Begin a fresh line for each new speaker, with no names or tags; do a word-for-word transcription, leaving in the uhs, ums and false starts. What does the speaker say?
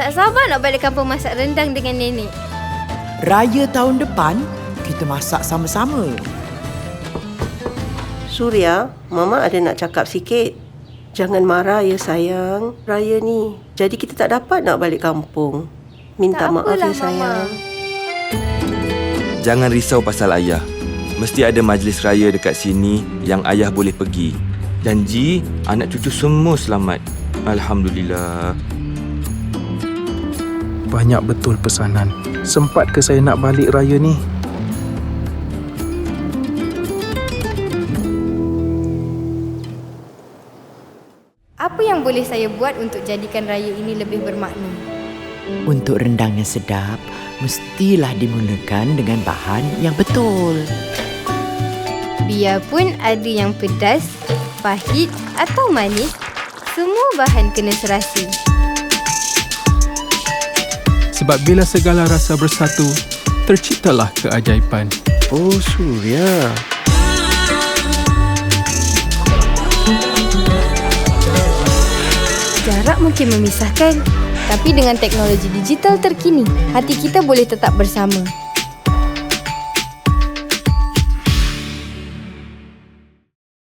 Tak sabar nak balik kampung masak rendang dengan nenek.
Raya tahun depan, kita masak sama-sama.
Surya, Mama ada nak cakap sikit. Jangan marah ya sayang. Raya ni, jadi kita tak dapat nak balik kampung. Minta
Tak
maaf
apalah,
ya sayang.
Mama.
Jangan risau pasal ayah. Mesti ada majlis raya dekat sini yang ayah boleh pergi. Janji anak cucu semua selamat. Alhamdulillah.
Banyak betul pesanan. Sempat ke saya nak balik raya ni?
Apa yang boleh saya buat untuk jadikan raya ini lebih bermakna?
Untuk rendang yang sedap, mestilah dimulakan dengan bahan yang betul.
Biarpun ada yang pedas, pahit atau manis, semua bahan kena serasi.
Sebab bila segala rasa bersatu, terciptalah keajaiban.
Oh Surya.
Jarak mungkin memisahkan, tapi dengan teknologi digital terkini, hati kita boleh tetap bersama.